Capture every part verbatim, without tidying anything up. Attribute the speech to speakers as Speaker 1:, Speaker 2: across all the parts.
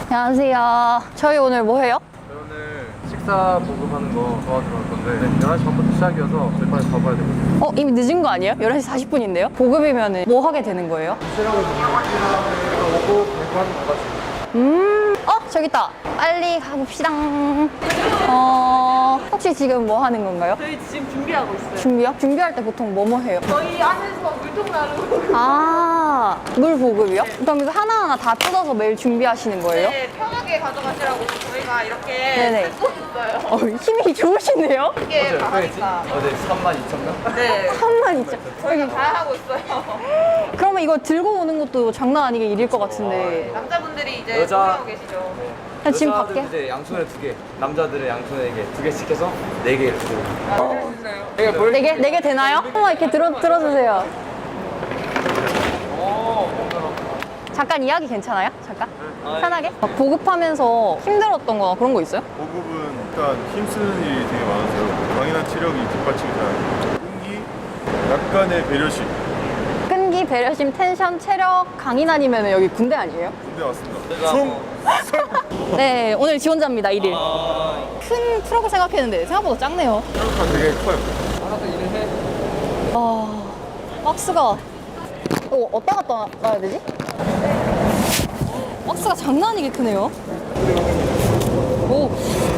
Speaker 1: 안녕하세요. 저희 오늘 뭐 해요?
Speaker 2: 오늘 식사 보급하는 거 도와주러 갈 건데 네, 열한 시 반부터 시작이어서 저희 빨리 가봐야 되거든요.
Speaker 1: 어, 이미 늦은 거 아니에요? 열한 시 사십 분인데요? 보급이면 뭐 하게 되는 거예요?
Speaker 2: 체력을 좀 오고 배고파는 것 같아요.
Speaker 1: 음, 어, 저기 있다. 빨리 가봅시다. 어, 혹시 지금 뭐 하는 건가요?
Speaker 3: 저희 지금 준비하고 있어요.
Speaker 1: 준비요? 준비할 때 보통 뭐 뭐 해요?
Speaker 3: 저희 안에서 물통 나르고
Speaker 1: 아, 물 보급이요? 그럼 이거 하나하나 다 뜯어서 매일 준비하시는 거예요?
Speaker 3: 네, 편하게 가져가시라고 저희가 이렇게
Speaker 1: 네네.
Speaker 3: 뜯고 있어요.
Speaker 1: 어, 힘이 좋으시네요?
Speaker 3: 이게 바다니까.
Speaker 2: 어제 삼만 이천 명?
Speaker 3: 네.
Speaker 1: 삼만 이천.
Speaker 3: 저희가 다 하고 있어요.
Speaker 1: 그러면 이거 들고 오는 것도 장난 아니게 일일 것 같은데.
Speaker 3: 남자분들이 이제
Speaker 2: 여자-
Speaker 3: 소개하고 계시죠.
Speaker 1: 그냥 지금
Speaker 2: 여자들은
Speaker 1: 밖에?
Speaker 2: 이제 양손에 두 개, 남자들은 양손에 이게 두 개씩 해서 네 개 이렇게 들고.
Speaker 3: 아, 진짜요?
Speaker 2: 내가 뭘?
Speaker 1: 네 개? 네 개 되나요? 한번 이렇게 들어, 들어주세요. 잠깐 이야기 괜찮아요? 잠깐? 편하게? 막 보급하면서 힘들었던 거나 그런 거 있어요?
Speaker 4: 보급은 일단 힘쓰는 일이 되게 많아서요. 강인한 체력이 뒷받침이 잘 안 돼요. 끈기, 약간의 배려심.
Speaker 1: 끈기, 배려심, 텐션, 체력, 강인하니면 여기 군대 아니에요?
Speaker 4: 군대 왔습니다. 총!
Speaker 1: 네, 오늘 지원자입니다, 일 일. 큰 트럭을 생각했는데 생각보다 작네요.
Speaker 4: 체력가 되게 커요.
Speaker 2: 알아서 일을 해.
Speaker 1: 아, 박스가 이거 어디다 갖다 놔야 되지? 박스가 장난 아니게 크네요. 오,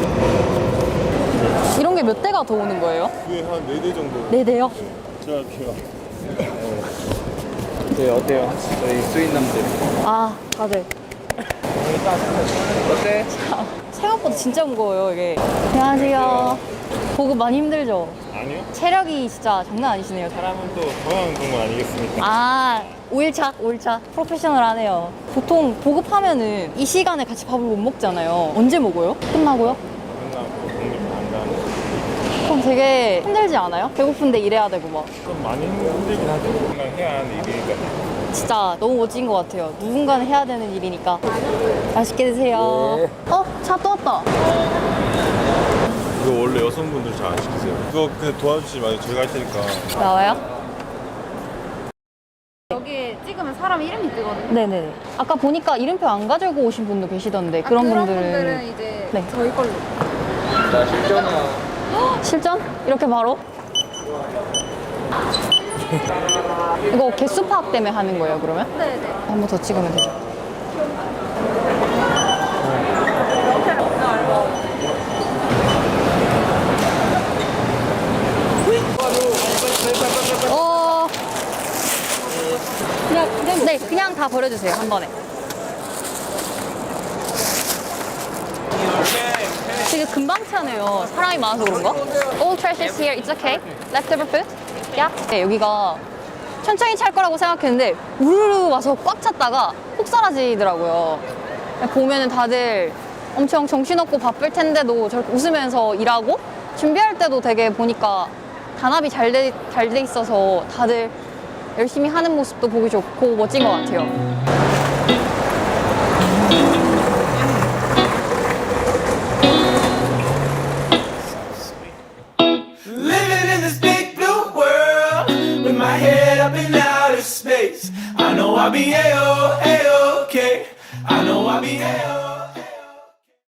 Speaker 1: 이런 게 몇 대가 더 오는 거예요?
Speaker 4: 그게 한 네 대 정도.
Speaker 1: 네 대요?
Speaker 4: 제가 할게요.
Speaker 2: 네, 어때요? 저희 수인남들.
Speaker 1: 아, 다들.
Speaker 2: 어때?
Speaker 1: 생각보다 진짜 무거워요, 이게. 안녕하세요. 보급 많이 힘들죠?
Speaker 4: 아니요.
Speaker 1: 체력이 진짜 장난 아니시네요.
Speaker 4: 사람은 또 건강한 동물 아니겠습니까?
Speaker 1: 아, 오 일차, 오 일차. 프로페셔널하네요. 보통 보급하면은 이 시간에 같이 밥을 못 먹잖아요. 언제 먹어요? 끝나고요?
Speaker 4: 끝나고 독립 안 가는.
Speaker 1: 그럼 되게 힘들지 않아요? 배고픈데 일해야 되고 막.
Speaker 4: 좀 많이 힘들긴 하죠. 건강 해야 하는 일이니까.
Speaker 1: 진짜 너무 멋진 것 같아요. 누군가는 해야 되는 일이니까. 맛있게 드세요.
Speaker 2: 네.
Speaker 1: 어? 차 또 왔다.
Speaker 4: 이거 원래 여성분들 잘 안 시키세요. 이거 그냥 도와주시지 마세요. 저희가 할 테니까.
Speaker 1: 나와요?
Speaker 3: 여기 찍으면 사람 이름이 뜨거든요.
Speaker 1: 네네네. 아까 보니까 이름표 안 가지고 오신 분도 계시던데 그런 분들은
Speaker 3: 이제
Speaker 1: 네.
Speaker 3: 저희 걸로.
Speaker 2: 자, 실전이야.
Speaker 1: 실전? 이렇게 바로? 이거 개수 파악 때문에 하는 거예요, 그러면?
Speaker 3: 네네.
Speaker 1: 한 번 더 찍으면 되죠. 어... 그냥, 그냥, 네, 그냥 다 버려주세요, 한 번에. 되게 금방 차네요. 사람이 많아서 그런가? All trash is here. It's okay. Leftover food? Yeah. 네, 여기가 천천히 찰 거라고 생각했는데 우르르 와서 꽉 찼다가 폭 사라지더라고요. 보면은 다들 엄청 정신없고 바쁠 텐데도 저렇게 웃으면서 일하고 준비할 때도 되게 보니까 단합이 잘 돼, 잘 돼 있어서 다들 열심히 하는 모습도 보기 좋고 멋진 것 같아요.
Speaker 5: Living in this big blue world with my head up in outer space. I know I'll be A-O, A-OK. I know I'll be A-O.